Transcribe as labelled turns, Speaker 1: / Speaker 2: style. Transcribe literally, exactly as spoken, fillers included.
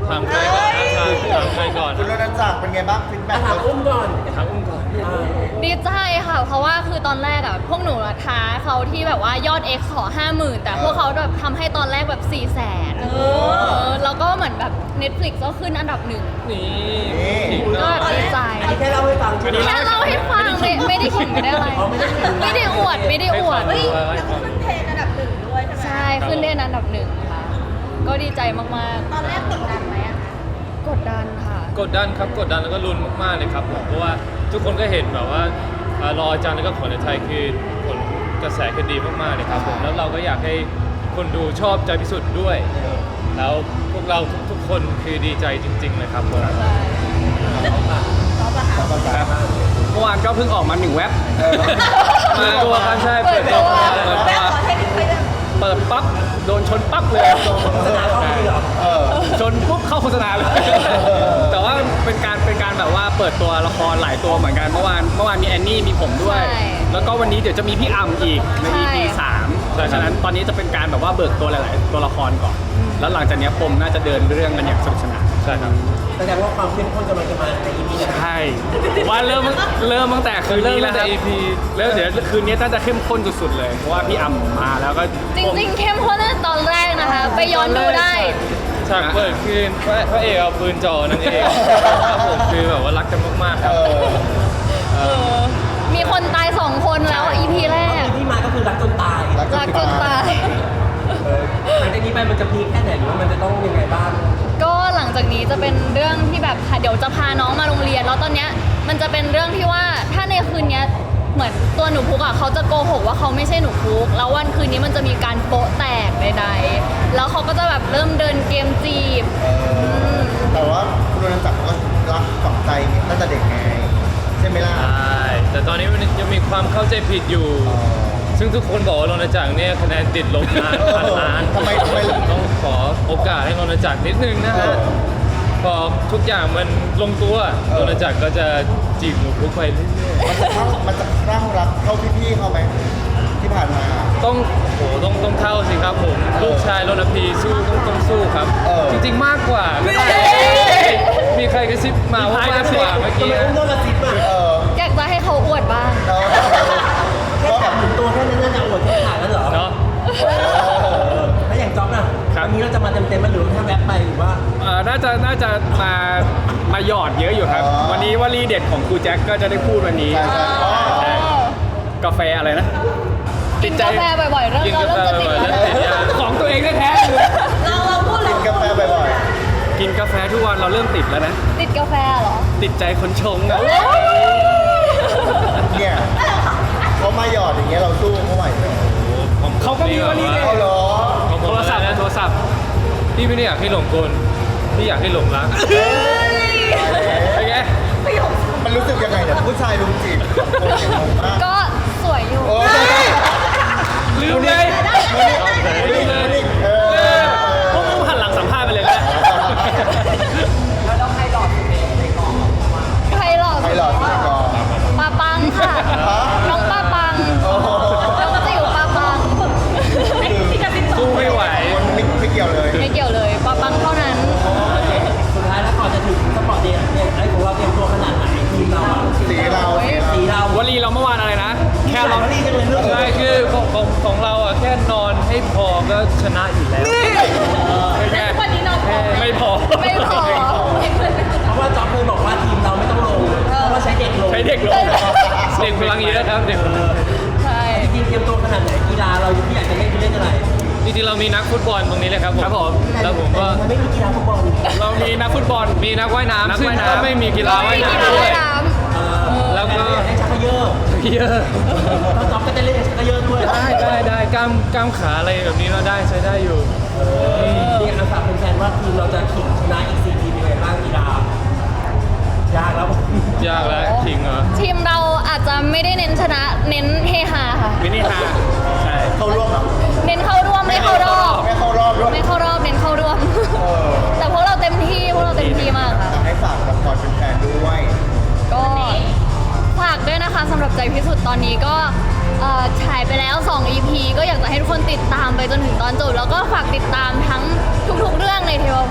Speaker 1: ถามใครก่อนถามใครก่อน
Speaker 2: คุณรณจักรเป็นไงบ้างฟีดแบ็ก
Speaker 3: ถามอุ้มก่อน
Speaker 1: ถามอุ้มก่อน
Speaker 4: ดีใจค่ะ เพราะว่าคือตอนแรกอ่ะพวกหนูอะท้าเขาที่แบบว่ายอด X ขอห้าหมื่นแต่พวกเขาแบบทำให้ตอนแรกแบบสี่แสนเออแล้วก็เหมือนแบบ Netflix ก็ขึ้นอันดับหนึ่ง
Speaker 1: นี่
Speaker 4: ก็ดีใจ
Speaker 3: อันนี้แค่เล่าให้ฟังใช่ไหม
Speaker 4: แค่เล่าให้ฟังไม่ไม่ได้ขิงไม่ได้อะไร
Speaker 3: อ๋อไม่ได้ขิง
Speaker 4: ไม่ได้อวดไม่ได้อวด
Speaker 1: เฮ้ย
Speaker 5: ขึ้นเทรนด์อันดับหนึ่งด้วยใช่ไหม
Speaker 4: ใช่ขึ้นได้อันดับหนึ่งค่ะ ก็ดีใจมาก
Speaker 5: ตอนแรกกดดันไหมอะคะ
Speaker 4: ๆ กดดันค่ะ
Speaker 1: กดดันครับกดดันแล้วก็ลุ้นมากๆเลยครับผมเพราะว่าทุกคนก็เห็นแบบว่าอ่ารออาจารย์แล้วก็ผลในไทยคือผลกระแสคือดีมากๆเลยครับผมแล้วเราก็อยากให้คนดูชอบใจพิสุทธิ์ด้วย แล้วพวกเราทุกๆคนคือดีใจจริงๆเลยครับผม
Speaker 4: ใช่
Speaker 6: เมื่อวานก็เพิ่งออกมาหนึ่งเว็บ
Speaker 1: เปิดตัวครับใช่
Speaker 4: เปิดตัว
Speaker 1: เปิด
Speaker 5: แม่
Speaker 1: ตัว
Speaker 5: ขอเทคนิคไปเลย
Speaker 6: เปิดปั๊บโดนชนปั๊บเลย
Speaker 3: โฆษณาเข้าไปเหรอ
Speaker 2: เออ
Speaker 6: ชนปุ๊บเข้าโฆษณาเลย แต่ว่าเป็นการเป็นการแบบว่าเปิดตัวละครหลายตัวเหมือนกันเมื่อวานเมื่อวานมีแอนนี่มีผมด้วย
Speaker 4: ใช่
Speaker 6: แล้วก็วันนี้เดี๋ยวจะมีพี่อัมอีกใน
Speaker 4: ใช่
Speaker 6: อี พี สามเพราะฉะนั้นตอนนี้จะเป็นการแบบว่าเบิกตัวหลาย ๆ ตัวละครก่อน แล้วหลังจากนี้ปมน่าจะเดินเรื่องกันอย่างสนุกสนาน
Speaker 1: ใช่ครับ
Speaker 3: แสดงว่าความเข้มข้นกำลังจะมาใน อี พี นี้
Speaker 6: ใช่ผมว่าเริ่มเริ่มตั้งแต่คืนนี้แล้วครับ
Speaker 1: เริ่มตั้งแต่ อี พี
Speaker 6: แล้วเดี๋ยวคืนนี้น่าจะเข้มข้นสุด ๆ เลยเพราะว่าพี่อัมมาแล้วก็
Speaker 4: จริงๆ เข้มข้นตั้งแต่ตอนแรกนะคะ ไปย้อนดูได้
Speaker 1: ฉากเปิดคืนพระพระเอกเอาปืนจ่อนั่นเองครับผมคือแบบว่ารักกันมากๆครับ
Speaker 2: เออ
Speaker 4: เออ มีคนตายสองคนแล้ว อี พี แรก
Speaker 3: ที่มาก็คือรักจนตาย
Speaker 2: รัก
Speaker 4: รักจนตาย
Speaker 3: หลังจากนี้ไปมันจะพีคแค่ไหนหรือว่ามันจะต้องยังไงบ้าง
Speaker 4: ก็หลังจากนี้จะเป็นเรื่องที่แบบค่ะเดี๋ยวจะพาน้องมาโรงเรียน แล้วตอนเนี้ยมันจะเป็นเรื่องที่ว่าถ้าในคืนเนี้ยเหมือนตัวหนูพุกอ่ะเขาจะโกหกว่าเขาไม่ใช่หนูพุกแล้ววันคืนนี้มันจะมีการโป๊ะแตกใดๆแล้วเขาก็จะแบบเริ่มเดินเกมจีบ
Speaker 2: เออแต่ว่าคุณรณจักรก็รักฝังใจตั้งแต่เด็กไงใช่ไหมล่ะ
Speaker 1: ใช่แต่ตอนนี้มันยังมีความเข้าใจผิดอยู่ ซึ่งทุกคนบอกว่ารณจักรเนี่ยคะแนนติดลบนานพันล้าน
Speaker 2: ทำไมทำไม
Speaker 1: ต้องขอโอกาสให้รณจักรนิดนึงนะฮะพอทุกอย่างมันลงตัวรณจักรก็จะจีบหนูพุกไปเรื่อย
Speaker 2: มันจะเข้ามันจะคลั่งรักเข้าพี่ๆเขาไหมที่ผ่านมา
Speaker 1: ๆต้องโหต้องต้องเท่าสิครับผมลูกชายรณพีสู้ต้องต้องสู้ครับ
Speaker 2: เออ
Speaker 1: จริงๆมากกว่าก็ได้มีใครกระซิบมาว่ามากกว่าเมื่อ
Speaker 3: ทำ
Speaker 1: กี้
Speaker 3: ไม
Speaker 1: นะ
Speaker 3: อุ้มโดนกระซิบอ่ะ
Speaker 2: เออ
Speaker 4: อยากจะให้เขาอวดบ้าง
Speaker 2: แล้ว
Speaker 3: แค่จับหนึ่งตัวแค่นั้นน่าจะอวดแค่ขาดแล้วเหรอ
Speaker 1: เนาะ
Speaker 3: แล้วอย่างจ๊อบน่ะวันนี้เราจะมาเต็มๆมันหรือแค่แวบไปหรือว่า
Speaker 6: เอ่อน่าจะน่าจะมามาหยอดเยอะอยู่ครับ
Speaker 2: อ๋อ
Speaker 6: วันนี้วลีเด็ดของครูแจ็คก็จะได้พูดวันนี้
Speaker 2: ใช่ใช่อ๋อ
Speaker 6: ใช่กาแฟอะไรนะ
Speaker 4: กินกาแฟบ่อยๆเริ่ม
Speaker 1: กิน
Speaker 4: เรา
Speaker 1: กา
Speaker 4: เริ่ม
Speaker 1: แฟ
Speaker 4: จะติด
Speaker 1: บ่อยๆ
Speaker 4: แล้ว
Speaker 1: เริ่มติดยา
Speaker 6: ของตัวเองแท้ๆเลย
Speaker 5: เราเราพูดเล
Speaker 2: กิ
Speaker 5: ย
Speaker 2: นกาแฟบ่อย
Speaker 6: กินกาแฟทุกวันเราเริ่มติดแล้วนะ
Speaker 4: ติดกาแฟเหรอ
Speaker 6: ติดใจคนชงอะ
Speaker 2: ๆเนี่ยเขามาหยอดอย่างเงี้ยเราสู้เขาไหวไหม
Speaker 6: เขาก็มีวลีเด็ด
Speaker 2: เอาเหรอ
Speaker 1: ของผ
Speaker 6: โท
Speaker 1: ม
Speaker 6: รศัพท์
Speaker 1: นะ
Speaker 6: โทรศัพท์
Speaker 1: พี่ไม่ได้อยากให้หลงกลพี่อยากให้หลงรัก
Speaker 6: เป็นไง
Speaker 2: มันรู้สึกยังไงเนี่ยผู้ชายลุมจีบโอ้ยงงมาก
Speaker 4: ก็สวยอยู่
Speaker 2: โอ้ย
Speaker 6: ลืมเลย
Speaker 2: ลืมเลยเออ
Speaker 6: พวกมึงหันหลังสัมภาษณ์ไปเลยก็ได้
Speaker 4: ใครหล่อ
Speaker 2: ใคร
Speaker 4: สุด
Speaker 2: หล่อสุดในกอง
Speaker 4: ปาปังค่ะ
Speaker 2: ฮะ
Speaker 4: น้องปาปัง
Speaker 2: โอ้โห
Speaker 4: น้องจิ๋วปาปัง
Speaker 1: สู้ไม่ไหว
Speaker 2: ไม่ไม่เกี่ยวเลย
Speaker 4: ไม่เกี่ยวเลยปาปังเท่านั้น
Speaker 3: สุดท้ายแล้วก่อนจะถึงสปอร์ตเดย์เนี่ยไอ้ของเราเตรียมตัวขนาดไหนทีมเราอะ
Speaker 2: สีเราสีเรา
Speaker 3: สีเรา
Speaker 6: วลีเราเมื่อวานอะไรนะ แค่
Speaker 3: แค่
Speaker 6: เรา
Speaker 3: เราลีจะเป็นเรื่อง
Speaker 1: ใช่คือของของของเราอ่ะแค่นอนให้พอก็ชนะอยู่แล้ว
Speaker 6: เป็นไง
Speaker 5: วันนี้นอนพอไหม
Speaker 6: ไม่พอ
Speaker 4: ไม่พอ
Speaker 3: เพราะว่าจ๊อบเคยบอกว่าทีมเราไม่ต้องลงเพราะว่าใช้เด็กลง
Speaker 6: ใช้เด็กลง
Speaker 1: เด็กพลังเยอะครับเด็กพลัง
Speaker 4: ใช่
Speaker 3: ทีมเตรียมตัวขนาดไหนกีฬาเราที่อยากจะเล่นคือเล่นอะไร
Speaker 1: จริงๆเรามีนักฟุตบอลตรงนี้เลยครับผม
Speaker 6: ครับผม
Speaker 1: แล้วผมก็
Speaker 3: มันไม่มีกีฬาฟุตบอล
Speaker 6: เรามีนักฟุตบอล
Speaker 1: มีนักว่าย
Speaker 6: นัก
Speaker 1: น้ำซึ่ง
Speaker 6: ว่ายน้ำ
Speaker 1: ก็ไม่มีกีฬาว่าย
Speaker 4: ไม่มี
Speaker 1: น้ำ
Speaker 4: กีฬา
Speaker 1: ด้ว
Speaker 4: ว่าย ยน้
Speaker 1: แล้วก็
Speaker 3: อยากเล่นชักเขยอ
Speaker 1: เยอะ
Speaker 3: ถ้าจ๊อบก็จะเล่นชักเขยอด้วย
Speaker 1: ได้ได้ได้กล้ามกล้ามขาอะไรแบบนี้เราได้ใช้ได้อยู่
Speaker 3: นี่อาฝากแฟนๆว่าทีมเราจะขิงชนะอีกสี่ทีมยังไงบ้างกีฬายากแล้ว
Speaker 1: ยากแล้วจริงเหรอ
Speaker 4: ำทีมเราอาจจะไม่ได้เน้นชนะ เน้นเฮฮาค่ะ
Speaker 6: มินิฮาใช่
Speaker 2: เข้าร่วมเหรอ
Speaker 4: เน้นเข้าร่วมไม่เข้ารอบ
Speaker 2: ไม่เข้ารอบด้วย
Speaker 4: ไม่เข้ารอบเน้นเข้าร่วม
Speaker 2: เออ
Speaker 4: แต่พวกเราเต็มที่พวกเราเต็มที่มากค่ะ
Speaker 2: ให้ฝากละครเป็นแฟนด้วย
Speaker 4: ก็ฝากด้วยนะคะสำหรับใจพิสุทธิ์ตอนนี้ก็เอ่อฉายไปแล้ว สอง อี พี ก็อยากจะให้ทุกคนติดตามไปจนถึงตอนจบแล้วก็ฝากติดตามทั้งทุกๆเรื่องในเทว